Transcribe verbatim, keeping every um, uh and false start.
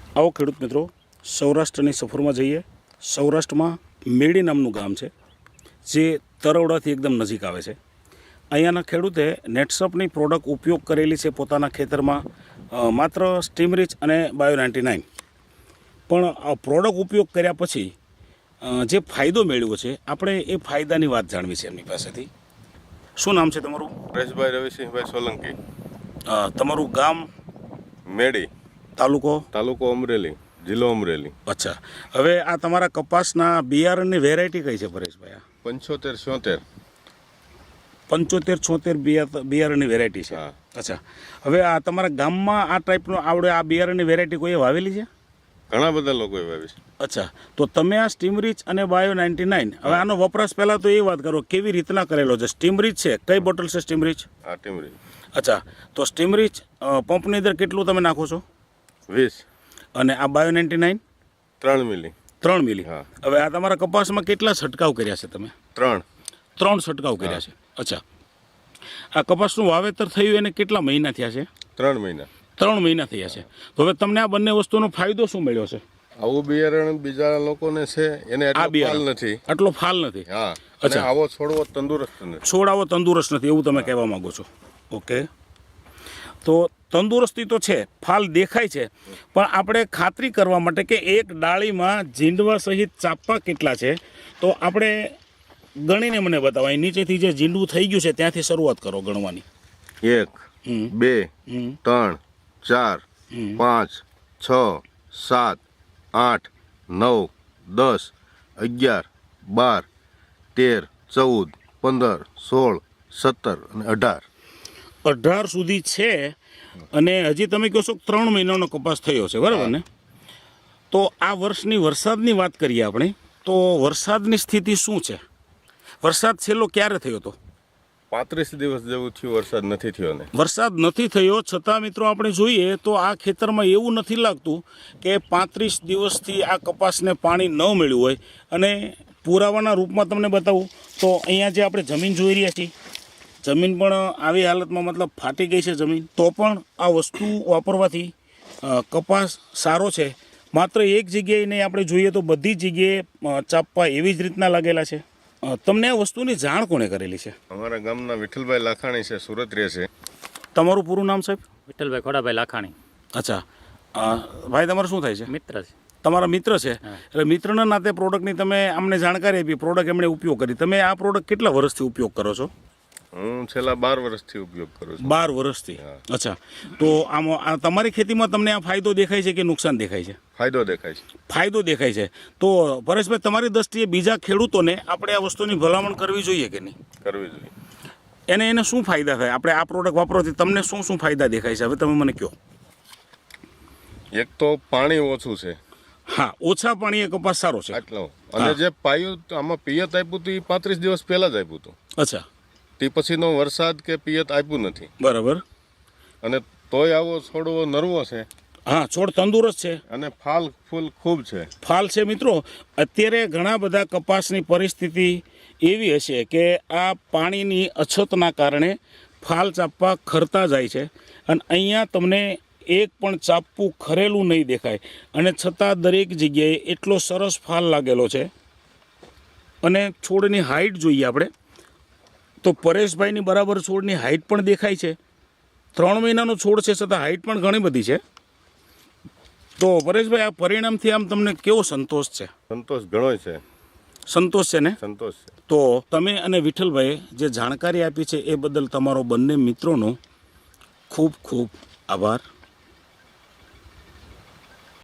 आओ खेडूत मित्रों, सौराष्ट्रनी सफर में जाइए। सौराष्ट्र में मेड़ी नामનું ગામ છે જે તરવડાથી એકદમ નજીક આવે છે। અહીંયાના ખેડૂતે નેટસપની પ્રોડક્ટ ઉપયોગ કરેલી છે પોતાના ખેતરમાં, માત્ર સ્ટીમરીચ અને બાયો નાઇન્ટી નાઇન। પણ આ પ્રોડક્ટ ઉપયોગ કર્યા પછી જે ફાયદો મેળવ્યો છે આપણે એ ફાયદાની વાત જાણવી છે એમની પાસેથી। શું નામ છે તમારું? પરેશભાઈ રવિસિંહભાઈ સોલંકી। તમારું ગામ? મેડી, તાલુકો? તાલુકો અમરેલી, જિલ્લો અમરેલી। અચ્છા, હવે આ તમારા કપાસના બિયારણની વેરાયટી કઈ છે પરેશભાઈ? આ પંચોતેર છોતેર પંચોતેર છોતેર બિયારણની વેરાયટી છે। અચ્છા, હવે આ તમારા ગામમાં આ ટાઈપનો આવડે આ બિયારણની વેરાયટી કોઈએ વાવેલી છે? ઘણા બધા લોકોએ વાવી છે। અચ્છા, તો તમે આ સ્ટીમરીચ અને બાયો નાઇન્ટી નાઇન, હવે આનો વપરાશ પહેલાં તો એ વાત કરો કેવી રીતના કરેલો છે? સ્ટીમરીચ છે, કઈ બોટલ છે સ્ટીમરીચ? આ ટીમરી। અચ્છા, તો સ્ટીમરીચ પંપની અંદર કેટલું તમે નાખો છો? વીસ। અને આ બાયો નાઇન્ટી નાઇન? ત્રણ મિલી। ત્રણ મિલી। હા। હવે આ તમારા કપાસમાં કેટલા છંટકાવ કર્યા છે તમે? ત્રણ ત્રણ છંટકાવ કર્યા છે। અચ્છા, આ કપાસનું વાવેતર થયું એને કેટલા મહિના થયા છે? ત્રણ મહિના। ત્રણ મહિના થયા છે। તો હવે તમને આ બંને વસ્તુનો ફાયદો શું મળ્યો છે? આવું બિયારણ બીજા લોકોને છે એને આ એટલો ફાલ બિયારણ નથી। આટલો ફાલ નથી? હા। અચ્છા, અને આવો છોડવો તંદુરસ્ત નથી। છોડ આવો તંદુરસ્ત નથી એવું તમે કહેવા માંગો છો? ઓકે, તો તંદુરસ્તી તો છે, ફાલ દેખાય છે, પણ આપણે ખાતરી કરવા માટે કે એક ડાળીમાં જીંડવા સહિત ચાપા કેટલા છે તો આપણે ગણીને મને બતાવો। અહીં નીચેથી જે જીંડવું થઈ ગયું છે ત્યાંથી શરૂઆત કરો ગણવાની। એક, બે, ત્રણ, ચાર, પાંચ, છ, સાત, આઠ, નવ, દસ, અગિયાર, બાર, તેર, ચૌદ, પંદર, સોળ, સત્તર અને અઢાર અઢાર સુધી છે। અને હજી તમે કહો છો ત્રણ મહિનાનો કપાસ થયો છે, બરાબર ને? તો આ વર્ષની વરસાદની વાત કરીએ આપણે, તો વરસાદની સ્થિતિ શું છે? વરસાદ છેલ્લો ક્યારે થયો હતો? પાંત્રીસ દિવસ જેવું થયું, વરસાદ નથી થયો ને? વરસાદ નથી થયો, છતાં મિત્રો આપણે જોઈએ તો આ ખેતરમાં એવું નથી લાગતું કે પાંત્રીસ દિવસથી આ કપાસને પાણી ન મળ્યું હોય। અને પુરાવાના રૂપમાં તમને બતાવું તો અહીંયા જે આપણે જમીન જોઈ રહ્યા છીએ, જમીન પણ આવી હાલતમાં, મતલબ ફાટી ગઈ છે જમીન, તો પણ આ વસ્તુ વાપરવાથી કપાસ સારો છે। માત્ર એક જગ્યાએ નહીં, આપણે જોઈએ તો બધી જગ્યાએ ચાપવા એવી જ રીતના લાગેલા છે। તમને આ વસ્તુની જાણ કોણે કરેલી છે? અમારા ગામના વિઠ્ઠલભાઈ લાખાણી છે, સુરત રહે છે। તમારું પૂરું નામ સાહેબ? વિઠ્ઠલભાઈ ખોડાભાઈ લાખાણી। અચ્છા, ભાઈ તમારે શું થાય છે? મિત્ર છે। તમારા મિત્ર છે, એટલે મિત્રના નાતે પ્રોડક્ટની તમે અમને જાણકારી આપી, પ્રોડક્ટ એમણે ઉપયોગ કરી। તમે આ પ્રોડક્ટ કેટલા વર્ષથી ઉપયોગ કરો છો? હું છેલ્લા બાર વર્ષથી ઉપયોગ કરું છું। બાર વર્ષથી? અચ્છા, તો આમાં તમારી ખેતીમાં તમને આ ફાયદો દેખાય છે કે નુકસાન દેખાય છે? ફાયદો દેખાય છે। ફાયદો દેખાય છે। તો પરેશભાઈ, તમારી દ્રષ્ટિએ બીજા ખેડૂતોને આપણે આ વસ્તુની ભલામણ કરવી જોઈએ કે નહીં? કરવી જોઈએ। એને એને શું ફાયદા થાય? આપણે આ પ્રોડક્ટ વાપરવાથી તમને શું શું ફાયદા દેખાય છે? હવે તમે મને કહો। એક તો પાણી ઓછું છે। હા, ઓછા પાણીએ કપાસ સારો છે આટલો। અને જે પાયું આમાં પિયત આપ્યું હતું એ પાંત્રીસ દિવસ પહેલા જ આપ્યું હતું। અચ્છા, તે પછીનો વરસાદ કે પિયત આપ્યું નથી। બરાબર। અને તોય આવો છોડવો નરવો છે। હા, છોડ તંદુરસ્ત છે અને ફાલ ફૂલ ખૂબ છે। ફાલ છે મિત્રો। અત્યારે ઘણા બધા કપાસની પરિસ્થિતિ એવી હશે કે આ પાણીની અછતના કારણે ફાલ ચાપવા ખરતા જાય છે, અને અહીંયા તમને એક પણ ચાપવું ખરેલું નહીં દેખાય, અને છતાં દરેક જગ્યાએ એટલો સરસ ફાલ લાગેલો છે। અને છોડની હાઇટ જોઈએ આપણે તો પરેશભાઈની બરાબર છોડની હાઇટ પણ દેખાય છે। ત્રણ મહિનાનો છોડ છે, છતાં હાઇટ પણ ઘણી બધી છે। તો પરેશભાઈ, આ પરિણામથી આમ તમને કેવો સંતોષ છે? સંતોષ ઘણો છે। સંતોષ છે ને? સંતોષ છે। તો તમે અને વિઠ્ઠલભાઈએ જે જાણકારી આપી છે એ બદલ તમારો બંને મિત્રોનો ખૂબ ખૂબ આભાર।